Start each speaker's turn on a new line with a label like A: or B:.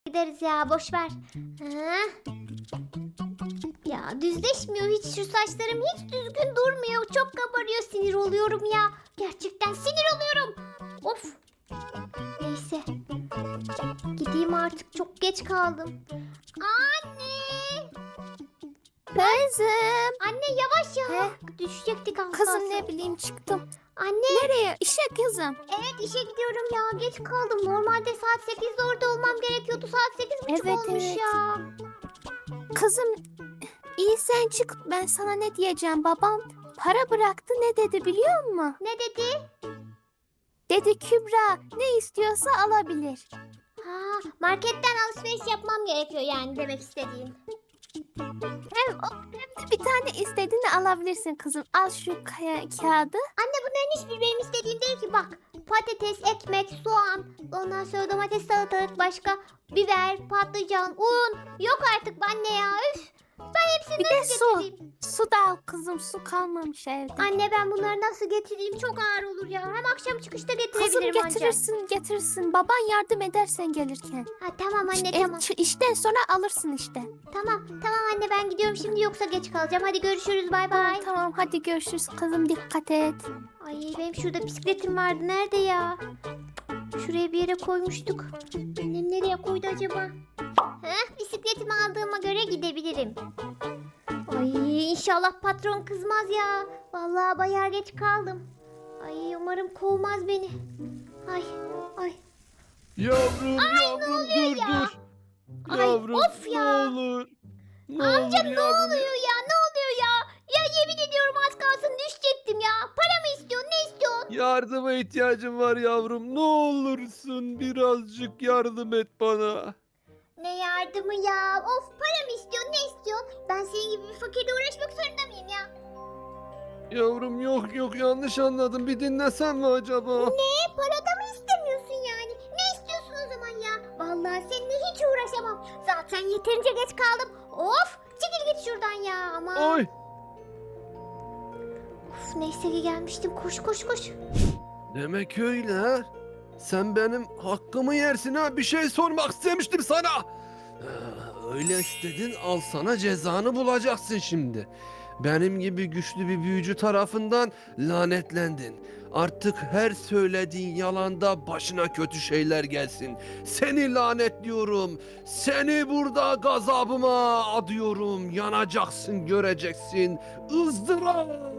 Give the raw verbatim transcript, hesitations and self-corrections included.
A: ederiz ya, boş ver. Ha? Ya düzleşmiyor hiç, şu saçlarım hiç düzgün durmuyor. Çok kabarıyor, sinir oluyorum ya. Gerçekten sinir oluyorum. Of. Neyse. Gideyim artık, çok geç kaldım. Anne.
B: Kızım.
A: Anne yavaş ya.
B: He?
A: Düşecektik az
B: Kızım
A: kalsın.
B: ne bileyim çıktım.
A: Anne.
B: Nereye? İşe kızım.
A: Evet, işe gidiyorum ya, geç kaldım. Normalde saat sekizde orada olmam gerekiyordu. Saat sekiz buçuk
B: Evet,
A: olmuş
B: evet.
A: ya.
B: Kızım iyi sen çık. Ben sana ne diyeceğim? Babam para bıraktı, ne dedi biliyor musun?
A: Ne dedi?
B: Dedi Kübra ne istiyorsa alabilir.
A: Ha, marketten alışveriş yapmam gerekiyor yani, demek istediğim.
B: Hem, o, hem de bir tane istediğini alabilirsin kızım. Al şu kaya, kağıdı.
A: Anne, bunların hiçbir benim istediğim değil ki, bak. Patates, ekmek, soğan, ondan sonra domates, salatalık, başka biber, patlıcan, un. Yok artık anne ya, üf. Ben hepsini
B: Bir de
A: nasıl
B: su.
A: getireyim?
B: Su da al kızım, su kalmamış evde.
A: Anne, ben bunları nasıl getireyim? Çok ağır olur ya. Hem akşam çıkışta
B: Kızım
A: getirebilirim ancak.
B: getirirsin getirirsin. Baban yardım edersen gelirken.
A: Ha, tamam anne,
B: Ev-
A: tamam.
B: ç- işten sonra alırsın işte.
A: Tamam tamam anne, ben gidiyorum şimdi, yoksa geç kalacağım. Hadi görüşürüz, bay bay.
B: Tamam hadi görüşürüz kızım, dikkat et.
A: Ay, benim şurada bisikletim vardı, nerede ya? Şuraya bir yere koymuştuk. Annem nereye koydu acaba? Heh, bisikletimi aldığıma göre gidebilirim. Ay, inşallah patron kızmaz ya. Vallahi bayağı geç kaldım. Ay, umarım kovmaz beni. Ay ay.
C: Yavrum yavrum dur
A: ya?
C: dur.
A: Ay,
C: Yavrum
A: of ya.
C: ne olur. Ne
A: Amca
C: olur
A: ne
C: yavrum.
A: oluyor ya, ne oluyor ya? Ya yemin ediyorum az kalsın düşecektim ya. Para mı istiyorsun, ne istiyorsun?
C: Yardıma ihtiyacım var yavrum. Ne olursun birazcık yardım et bana.
A: Ne yardımı ya? Of, para mı istiyorsun, ne istiyorsun? Ben senin gibi bir fakirle uğraşmak zorunda mıyım ya?
C: Yavrum yok yok, yanlış anladım. Bir dinlesen mi acaba?
A: Ne? Parada mı istemiyorsun yani? Ne istiyorsun o zaman ya? Vallahi seninle hiç uğraşamam. Zaten yeterince geç kaldım. Of! Çekil git şuradan ya, ama.
C: Ay.
A: Of, neyse ki gelmiştim. Koş koş koş.
C: Demek öyle ha. Sen benim hakkımı yersin ha. Bir şey sormak istemiştim sana. Ee, Öyle istedin, al sana cezanı bulacaksın şimdi. Benim gibi güçlü bir büyücü tarafından lanetlendin. Artık her söylediğin yalanda başına kötü şeyler gelsin. Seni lanetliyorum. Seni burada gazabıma adıyorum. Yanacaksın, göreceksin. ızdırap.